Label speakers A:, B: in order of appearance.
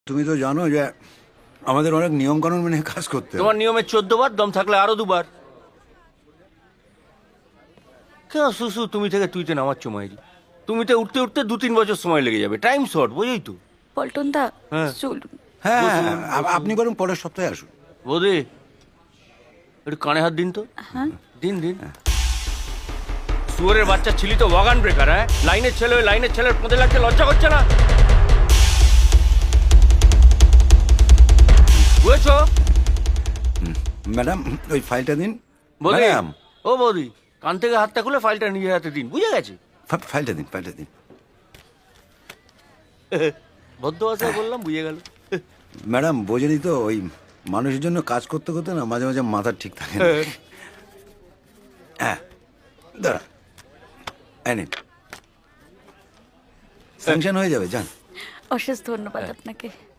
A: তুমি তো জানো যে আমাদের অনেক নিয়ম কানুন মেনে কাজ করতে হয়।
B: তোমার নিয়মে 14 বার, দম থাকলে আরো 2 বার। কেন সুসু তুমি থেকে তুইতে নামাচ্ছ মাইরি? তুমিতে উঠতে উঠতে 2-3 বছর সময় লেগে যাবে, টাইম শর্ট, বুঝেই তো।
C: পল্টন দা
B: হ্যাঁ।
C: চলুন।
A: হ্যাঁ
B: বসুন,
A: আপনি বরং পরের সপ্তাহে আসুন।
B: বৌদি একটু কানে হাত দিন তো।
C: হ্যাঁ
B: দিন দিন। শুয়োরের বাচ্চা ছিলি তো ওয়াগান ব্রেকার, হ্যাঁ? লাইনের ছেলে ওই লাইনের ছেলের পদে লাগতে লজ্জা করছে না? বুঝেছো?
A: ম্যাডাম ওই ফাইলটা দিন।
B: বৌদি,
A: ম্যাডাম
B: ও বৌদি, কান থেকে হাতটা খুলে ফাইলটা নিজের হাতে দিন, বুঝে গেছে?
A: ফাইলটা দিন, ফাইলটা দিন।
B: ভদ্র ভাষায় বললাম, বুঝে গেল।
A: ম্যাডাম বোঝেনি তো, ওই মানুষের জন্য কাজ করতে করতে না মাঝে মাঝে মাথা ঠিক থাকে না। হ্যাঁ দাঁড়া, স্যাংশন হয়ে যাবে, যান।
C: অশেষ ধন্যবাদ আপনাকে।